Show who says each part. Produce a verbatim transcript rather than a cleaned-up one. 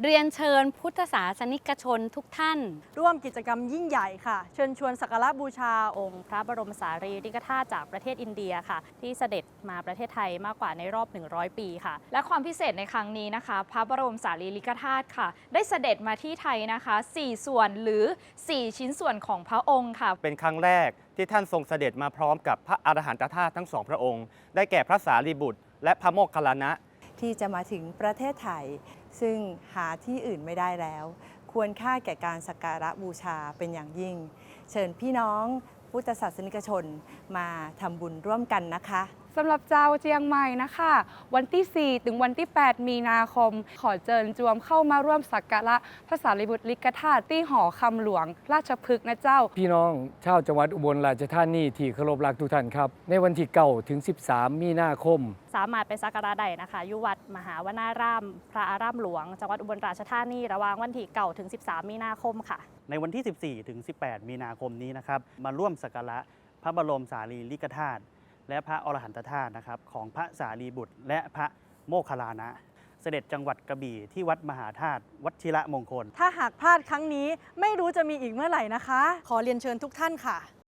Speaker 1: เรียนเชิญพุทธศาสนิกชนทุกท่าน
Speaker 2: ร่วมกิจกรรมยิ่งใหญ่ค่ะเชิญชวนสักการะบูชา
Speaker 1: องค์พระบรมสารีริกธาตุจากประเทศอินเดียค่ะที่เสด็จมาประเทศไทยมากกว่าในรอบหนึ่งร้อยปีค่ะ
Speaker 3: และความพิเศษในครั้งนี้นะคะพระบรมสารีริกธาตุค่ะได้เสด็จมาที่ไทยนะคะสี่ส่วนหรือสี่ชิ้นส่วนของพระองค์ค่ะ
Speaker 4: เป็นครั้งแรกที่ท่านทรงเสด็จมาพร้อมกับพระอรหันตธาตุทั้งสองพระองค์ได้แก่พระสารีบุตรและพระโมคคัลลานะ
Speaker 5: ที่จะมาถึงประเทศไทยซึ่งหาที่อื่นไม่ได้แล้ว ควรค่าแก่การสักการะบูชาเป็นอย่างยิ่ง เชิญพี่น้องพุทธศาสนิกชนมาทำบุญร่วมกันนะคะ
Speaker 6: สำหรับเจ้าเจียงใหม่นะคะวันที่สี่ถึงวันที่แปดมีนาคมขอเชิญจวมเข้ามาร่วมสักการะพระสารีบุตรลิกธาตุที่หอคำหลวงราชพฤกษ์นะเจ้า
Speaker 7: พี่น้องชาวจังหวัดอุบลราชธานีที่เคารพรักทุกท่านครับในวันที่เก้าถึงสิบสามมีนาคม
Speaker 1: สามารถไปสักการะได้นะคะยุวัดมหาวนารามพระอารามหลวงจังหวัดอุบลราชธานีระหว่างวันที่เก้าถึงสิบสามมีนาคมค่ะ
Speaker 8: ในวันที่สิบสี่ถึงสิบแปดมีนาคมนี้นะครับมาร่วมสักการะพระบรมสารีริกธาตุและพระอรหันตธาตุนะครับของพระสารีบุตรและพระโมคคัลลานะเสด็จจังหวัดกระบี่ที่วัดมหาธาตุวชิระมงคล
Speaker 2: ถ้าหากพลาดครั้งนี้ไม่รู้จะมีอีกเมื่อไหร่นะคะขอเรียนเชิญทุกท่านค่ะ